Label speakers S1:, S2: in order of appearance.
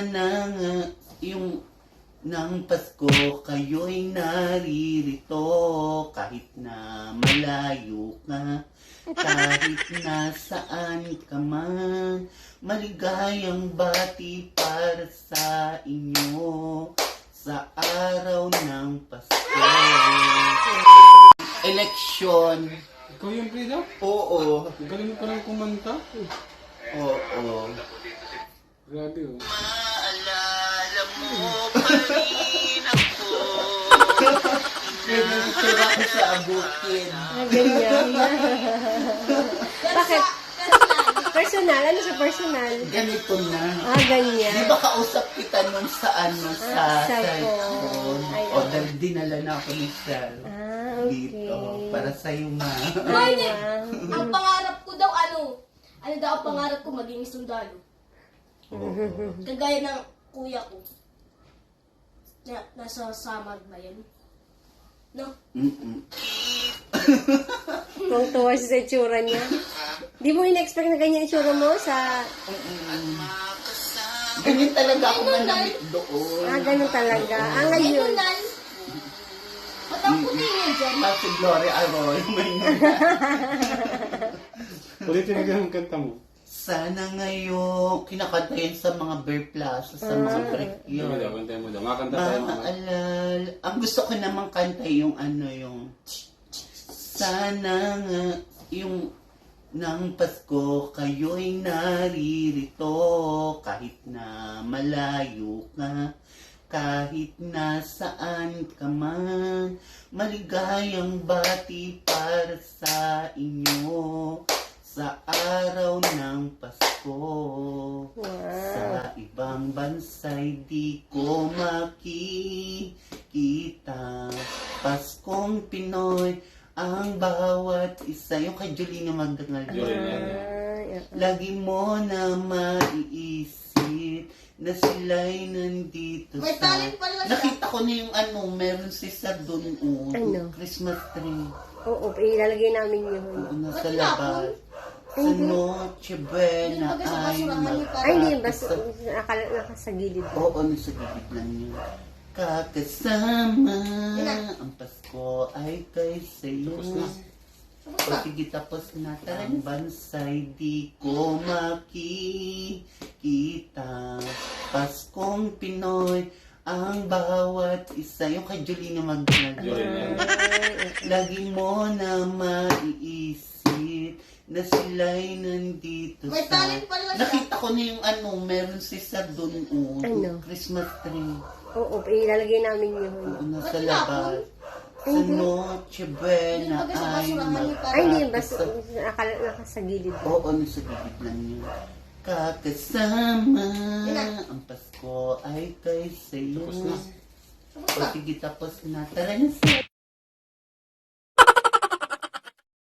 S1: Sana nga yung ng Pasko kayo'y naririto kahit na malayo ka, kahit nasaan ka man. Maligayang bati para sa inyo sa araw ng Pasko. Eleksyon.
S2: Ikaw yung Frida?
S1: Oo.
S2: Ang galing mo palang kumanta.
S1: Oo.
S2: Grabe oh.
S1: Maalala mo pa rin ako. Sira ko sa abutin.
S3: Ganyan. Bakit? Personal? Ano sa personal?
S1: Ganito na. Di
S3: Ganyan.
S1: ba kausap kita nung sa
S3: sa
S1: cellphone?
S3: Ay,
S1: O, dinala na ako ni Sel.
S3: okay.
S1: Dito. Para sa'yo, ma.
S3: Ay, wow.
S4: Ang pangarap ko daw, ano daw ang pangarap ko, maging sundalo. Kagaya ng kuya ko. Nasa Samar ba yan? No?
S3: Kung tuwa siya sa itsura niya. Di mo in-expect na ganyan itsura mo sa...
S1: Ganyan talaga ako manamit doon.
S3: Ganun talaga. Ngayon.
S4: Ayun, Nan. Ba't ang puti niya dyan?
S1: Si Gloria Arroyo.
S2: Ulitin na ang kanta mo.
S1: Sana ngayon, kinakanta yan sa mga bear plaza, sa mga break
S2: Hindi mo daw,
S1: yun.
S2: kanta mo daw. Nga kanta tayo mga.
S1: Maalala. Ang gusto ko namang kanta yung yung sana nga yung ng Pasko kayo'y naririto kahit na malayo ka, kahit nasaan ka man. Maligayang bati para sa inyo sa araw ng Pasko. Sa ibang bansa'y di ko makikita. Paskong Pinoy ang bawat isa. Yung kay Jolina Magdangal. Lagi mo na maiisip na sila'y nandito
S4: May talent pala siya.
S1: Nakita ko na yung meron si Sir doon.
S3: Ano?
S1: Christmas tree.
S3: Oo, ilalagay namin yun.
S1: Nasa labas. Sa Noche Buena ay
S3: Ay, hindi. Basta nakasa gilid.
S1: Oo, nasa gilid lang yun. Kakasama ang Pasko ay kay sa'yo. Sige, tapos na ang bansa'y di ko makikita. Paskong Pinoy ang bawat isa. Yung kay Jolina Magdangal. Lagi mo na maiisip na sila'y nandito
S4: May talent pala siya.
S1: Nakita ko na yung meron si Sir doon.
S3: Ano?
S1: Christmas tree.
S3: Oo, ilalagay namin yun.
S1: Nasa labas. Sa Noche Buena ay
S3: Ay, hindi. Basta nakasa gilid.
S1: Oo, nasa gilid lang yun. Kakasama ang Pasko ay kay sa'yo. Sige, tapos na. Tara na, Sir.